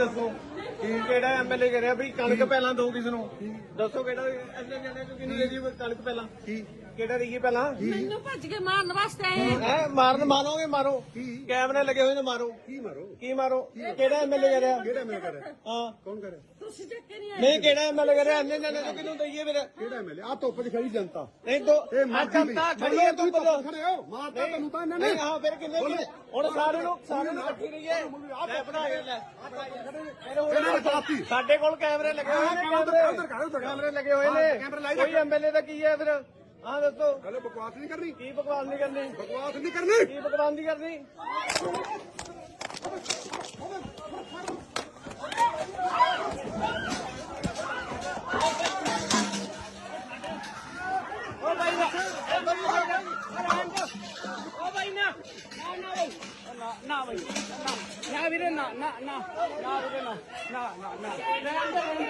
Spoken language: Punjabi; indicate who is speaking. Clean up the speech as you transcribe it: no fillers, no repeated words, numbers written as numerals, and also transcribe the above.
Speaker 1: ਦੱਸੋ ਕਿਹੜਾ ਐਮਐਲਏ ਕਰਿਆ ਵੀ ਕਣਕ ਪਹਿਲਾਂ ਦੋ ਕਿਸ ਨੂੰ ਦੱਸੋ ਕਿਹੜਾ ਐਮਐਲਏ ਕਹਿੰਦੇ ਕਿਹਨੂੰ ਦੇ ਜੀ ਕਣਕ ਪਹਿਲਾਂ ਕਿਹੜਾ ਦੇਈਏ ਪਹਿਲਾਂ
Speaker 2: ਮੈਨੂੰ ਭੱਜ ਕੇ ਮਾਰਨ ਵਾਸਤੇ ਆਏ
Speaker 1: ਹੈ ਮਾਰਨ ਮਾਰੋਗੇ ਮਾਰੋ ਕੈਮਰੇ ਲੱਗੇ ਹੋਏ ਨੇ ਮਾਰੋ ਕੀ ਮਾਰੋ ਕਿਹੜਾ ਐਮਐਲਏ ਕਰਿਆ ਹਾਂ
Speaker 3: ਕੌਣ ਕਰੇ
Speaker 2: ਤੁਸੀਂ ਚੱਕੇ ਨਹੀਂ
Speaker 1: ਨਹੀਂ ਕਿਹੜਾ ਐਮਐਲਏ ਕਰਿਆ ਐਨੇ ਕਿਹਨੂੰ ਦਈਏ ਫਿਰ
Speaker 3: ਕਿਹੜਾ ਐਮਐਲਏ ਆ ਧੁੱਪ 'ਚ ਖੜੀ ਜਨਤਾ
Speaker 1: ਨਹੀਂ ਦੋ ਜਨਤਾ ਖੜੀ ਹੈ ਤੂੰ ਬੋਲੋ
Speaker 3: ਖੜੇ ਹੋ ਮਾਰਤਾ ਤੈਨੂੰ ਤਾਂ ਇਹਨਾਂ ਨੇ
Speaker 1: ਨਹੀਂ ਹਾਂ ਫਿਰ ਕਿੰਨੇ ਹੁਣ ਸਾਰੇ ਨੂੰ ਇਕੱਠੀ ਰਹੀਏ ਲੈ ਬਣਾ ਕੇ ਲੈ ਸਾਡੇ ਕੋਲ ਕੈਮਰੇ ਲੱਗੇ ਹੋਏ ਨੇ ਕੈਮਰੇ ਲੱਗੇ ਹੋਏ ਨੇ ਕੋਈ ਐਮਐਲਏ ਦਾ ਕੀ ਹੈ ਫਿਰ ਹਾਂ ਦੱਸੋ
Speaker 3: ਹਲੇ ਬਕਵਾਸ ਨਹੀਂ ਕਰਨੀ
Speaker 1: ਕੀ ਬਕਵਾਸ ਨਹੀਂ ਕਰਨੀ ਕੀ ਬਕਵਾਸ ਨਹੀਂ ਕਰਨੀ ਓ ਭਾਈ ਨਾ ਵੀਰੇ ਨਾ ਵੀਰੇ ਨਾ